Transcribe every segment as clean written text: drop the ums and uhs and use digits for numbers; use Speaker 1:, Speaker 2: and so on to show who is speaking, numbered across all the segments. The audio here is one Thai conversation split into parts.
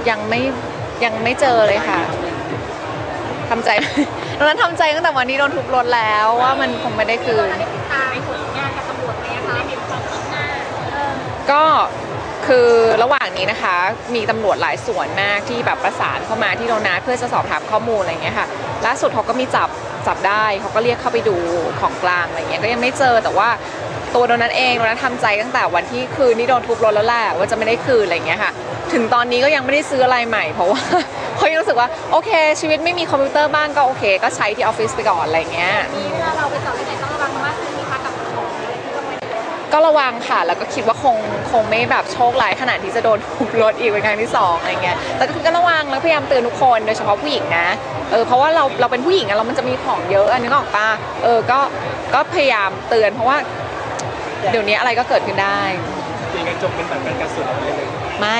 Speaker 1: ยังไม่ยังไม่เจอเลยค่ะทำใจตอนนั้นทำใจตั้งแต่วันนี้โดนทุบรถแล้วว่ามันคงไม่ได้คืนก็คือระหว่างนี้นะคะมีตำรวจหลายส่วนมากที่แบบประสานเข้ามาที่โดนัทเพื่อจะสอบถามข้อมูลอะไรเงี้ยค่ะล่าสุดเขาก็มีจับได้เขาก็เรียกเข้าไปดูของกลางอะไรเงี้ยก็ยังไม่เจอแต่ว่าตัวโดนัทเองโดนัททำใจตั้งแต่วันที่คืนที่โดนทุบรถแล้วแหละว่าจะไม่ได้คืนอะไรเงี้ยค่ะถึงตอนนี้ก็ยังไม่ได้ซื้ออะไรใหม่เพราะว่าเขายังรู้สึกว่าโอเคชีวิตไม่มีคอมพิวเตอร์บ้านก็โอเคก็ใช้ที่ออฟฟิศไปก่อนอะไรเงี้ย
Speaker 2: นี่เวลาเราไปจอดที่ไหนต้องระวังมากขึ้นไหมคะกับของอะไรที่ต้องไป
Speaker 1: ก็ระวังค่ะแล้วก็คิดว่าคงไม่แบบโชคร้ายขนาดที่จะโดนทุบรถอีกเป็นครั้งที่2อะไรเงี้ยแต่ก็ระวังแล้วพยายามเตือนทุกคนโดยเฉพาะผู้หญิงนะเพราะว่าเราเป็นผู้หญิงอะเรามันจะมีของเยอะอันนี้ก็ออกป่ะก็พยายามเตือนเพราะว่าเดี๋ยวนี้อะไรก็เกิดขึ้นได้
Speaker 3: ตีกระจกเป็นแบบกันกระสุนอะไรเลย
Speaker 1: ไม่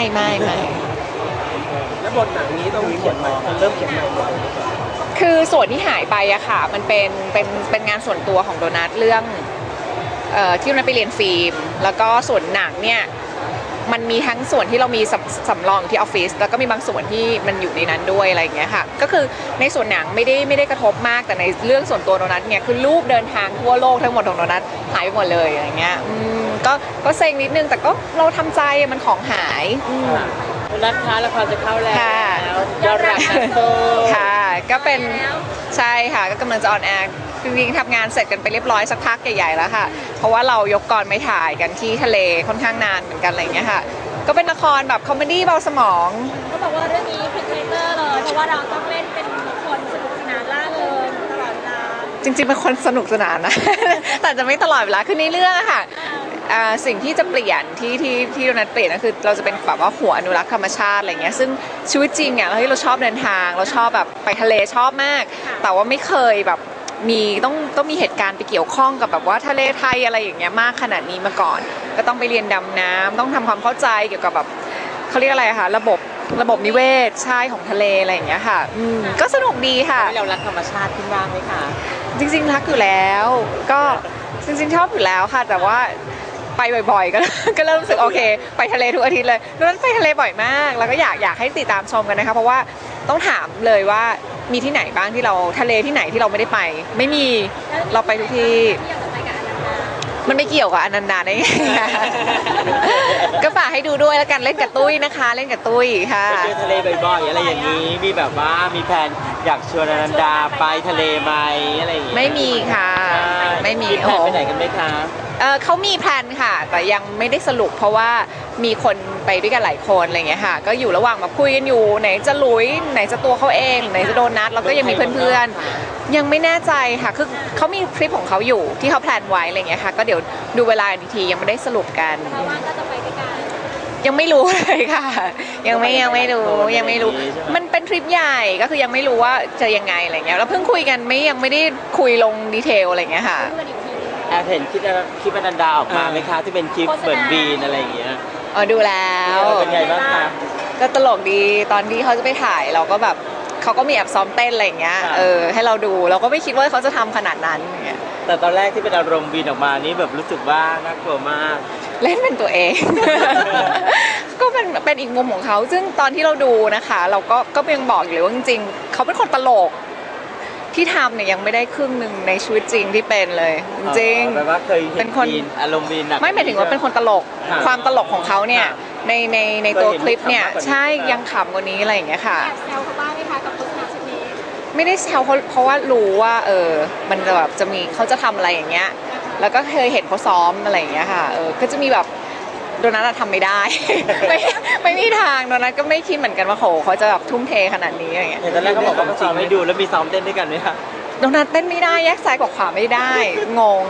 Speaker 3: แล้วบทหนังนี้ต้องเขียนใหม่เริ่มเขียนใหม่
Speaker 1: คือส่วนที่หายไปอะค่ะมันเป็นงานส่วนตัวของโดนัทเรื่องที่โดนัทไปเรียนฟิล์มแล้วก็ส่วนหนังเนี่ยมันมีทั้งส่วนที่เรามีสำรองที่ออฟฟิศแล้วก็มีบางส่วนที่มันอยู่ในนั้นด้วยอะไรอย่างเงี้ยค่ะก็คือในส่วนหนังไม่ได้กระทบมากแต่ในเรื่องส่วนตัวโดนัทเนี่ยคือรูปเดินทางทั่วโลกทั้งหมดของโดนัทหายไปหมดเลยอะไรเงี้ยก็เซ็งนิดนึงแต่ก็เราทำใจมันของหาย
Speaker 3: คุณนัทคะละครจะเข้าแล้วยอดรักนักโต
Speaker 1: ค่ะก็เป็นใช่ค่ะก็กำลังจะออนแอร์จริงๆทำงานเสร็จกันไปเรียบร้อยสักพักใหญ่ๆแล้วค่ะเพราะว่าเรายกกองไม่ถ่ายกันที่ทะเลค่อนข้างนานเหมือนกันอะไรเงี้ยค่ะก็เป็นละครแบบคอมเมดี้เบาสมอง
Speaker 2: เขาบอกว่าเรื่องนี้พลิกคาแรคเตอร์เลยเพราะว่าเราต้องเล่นเป็นคนสนุกสนานล่าเริงตลอดเวลา
Speaker 1: จริงๆเป็นคนสนุกสนานนะ แต่จะไม่ตลอดเวลาคือในเรื่องอะค่ะสิ่งที่จะเปลี่ยนที่โดนัทเปลี่ยนก็คือเราจะเป็นแบบว่าหัวอนุรักษ์ธรรมชาติอะไรเงี้ยซึ่งชีวิตจริงอะเราชอบเดินทางเราชอบแบบไปทะเลชอบมากแต่ว่าไม่เคยแบบมีต้องมีเหตุการณ์ไปเกี่ยวข้องกับแบบว่าทะเลไทยอะไรอย่างเงี้ยมากขนาดนี้มาก่อนก็ต้องไปเรียนดำน้ำต้องทำความเข้าใจเกี่ยวกับแบบเขาเรียกอะไรคะระบบนิเวศใช่ของทะเลอะไรอย่างเงี้ยค่ะก็สนุกดีค่ะ
Speaker 3: เรารักธรรมชาติขึ้นบ้างไหมคะ
Speaker 1: จริงๆรักอยู่แล้วก็จริงๆชอบอยู่แล้วค่ะแต่ว่าไปบ่อยๆก็เริ่มรู้สึกโอเคไปทะเลทุกอาทิตย์เลยดังนั้นไปทะเลบ่อยมากแล้วก็อยากให้ติดตามชมกันนะคะเพราะว่าต้องถามเลยว่ามีที่ไหนบ้างที่เราทะเลที่ไหนที่เราไม่ได้ไปไม่มีเราไปทุกที่มันไม่เกี่ยวกับอนันดาได้ไงก็ฝากให้ดูด้วยแล้วกันเล่นกับตุ้ยนะคะเล่นกับตุ้ยค่ะ
Speaker 3: ไปเที่ยวทะเลบ่อยๆอะไรอย่างนี้มีแบบว่ามีแผนอยากชวนอนันดาไปทะเลไหมอะไรอย่างนี้
Speaker 1: ไม่มีค่ะไม่มี
Speaker 3: โอ้ไปไหนกันไหมคะ
Speaker 1: เขามีแพลนค่ะแต่ยังไม่ได้สรุปเพราะว่ามีคนไปด้วยกันหลายคนอะไรเงี้ยค่ะก็อยู่ระหว่างมาคุยกันอยู่ไหนจะหลุยไหนจะตัวเขาเองไหนจะโดนัทแล้วก็ยังมีเพื่อนๆยังไม่แน่ใจค่ะคือเขามีทริปของเขาอยู่ที่เขาแพลนไว้อะไรเงี้ยค่ะก็เดี๋ยวดูเวลาอีกทียังไม่ได้สรุปกัน
Speaker 2: เพราะว่าก็จะไปด้วยกัน
Speaker 1: ยังไม่รู้เลยค่ะยังไม่รู้มันเป็นทริปใหญ่ก็คือยังไม่รู้ว่าจะยังไงอะไรเงี้ยแล้วเพิ่งคุยกันยังไม่ได้คุยลงดีเทลอะไรเงี้ยค่ะ
Speaker 3: แอบเห็นคลิปอนันดาออกมาไหมคะที่เป็นคลิปเหมือนบีนอะไรอย่างเงี้ย
Speaker 1: ดูแล้ว
Speaker 3: เป็นไงบ้างคะ
Speaker 1: ก็ตลกดีตอนที่เขาจะไปถ่ายเราก็แบบเขาก็มีแอบซ้อมเต้นอะไรอย่างเงี้ยให้เราดูเราก็ไม่คิดว่าเขาจะทำขนาดนั้นอย่างเงี้ย
Speaker 3: แต่ตอนแรกที่เป็นอารมณ์บีนออกมานี่แบบรู้สึกว่าน่ากลัวมาก
Speaker 1: เล่นเป็นตัวเอง ก็เป็นอีกมุมของเขาซึ่งตอนที่เราดูนะคะเราก็ยังบอกอยู่เลยว่าจริงๆเขาเป็นคนตลกที่ทำเนี่ยยังไม่ได้ครึ่งหนึ่งในชีวิตจริงที่เป็นเลยจริง
Speaker 3: แปลว่าเคยเป็นคนอารมณ์บีน
Speaker 1: ไม่หมายถึงว่าเป็นคนตลกความตลกของเขาเนี่ยในตัวคลิปเนี่ยใช่ยังขำกว่านี้อะไรอย่างเงี้ยค่ะ
Speaker 2: แซวเขาบ้างไหมคะกับโฆษณาชุดนี้
Speaker 1: ไม่ได้แซวเขาเพราะว่ารู้ว่ามันแบบจะมีเขาจะทำอะไรอย่างเงี้ยแล้วก็เคยเห็นเขาซ้อมอะไรอย่างเงี้ยค่ะก็จะมีแบบโดนัททำไม่ได้ ไม่มีทางโดนัทก็ไม่คิดเหมือนกันว่าโหเขาจะแบบทุ่มเทขนาดนี้อะไรเงี้ย
Speaker 3: ตอนแรกเขาบอกว่าซ้อมไม่ดูแล้วมีซ้อมเต้นด้วยกันไหมคะ
Speaker 1: โดนัทเต้นไม่ได้แยกซ้ายกับขวาไม่ได้งง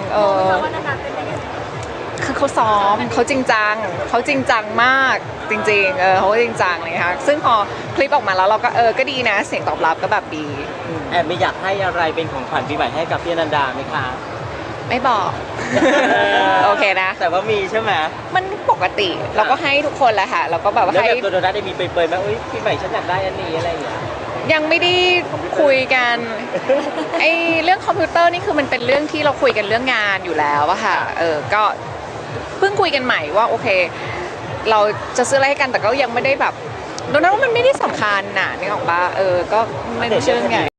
Speaker 1: คือเขาซ้อมเขาจริงจังมากจริงๆเขาจริงจังเลยค่ะซึ่งพอคลิปออกมาแล้วเราก็ก็ดีนะเสียงตอบรับก็แบบดี
Speaker 3: แอบไม่อยากให้อะไรเป็นของขวัญปีใหม่ให้กับพี่อนันดาไหมคะ
Speaker 1: ไม่บอกโอเคนะ
Speaker 3: แต่ว่ามีใช่ไหม
Speaker 1: มันปกติเราก็ให้ทุกคนแหละค่ะเราก็แบบว่า
Speaker 3: ให้ตัวโดนัทได้มีเปยๆไหมอุ้ยปีใหม่ฉันอยากได้อันนี้อะไรอย่างเงี้ย
Speaker 1: ยังไม่ได้คุยกันเรื่องคอมพิวเตอร์นี่คือมันเป็นเรื่องที่เราคุยกันเรื่องงานอยู่แล้วอะค่ะก็เพิ่งคุยกันใหม่ว่าโอเคเราจะซื้ออะไรให้กันแต่ก็ยังไม่ได้แบบโดนัทว่ามันไม่ได้สำคัญน่ะนึกออกปะก็ไม่ใช่เรื่องใหญ่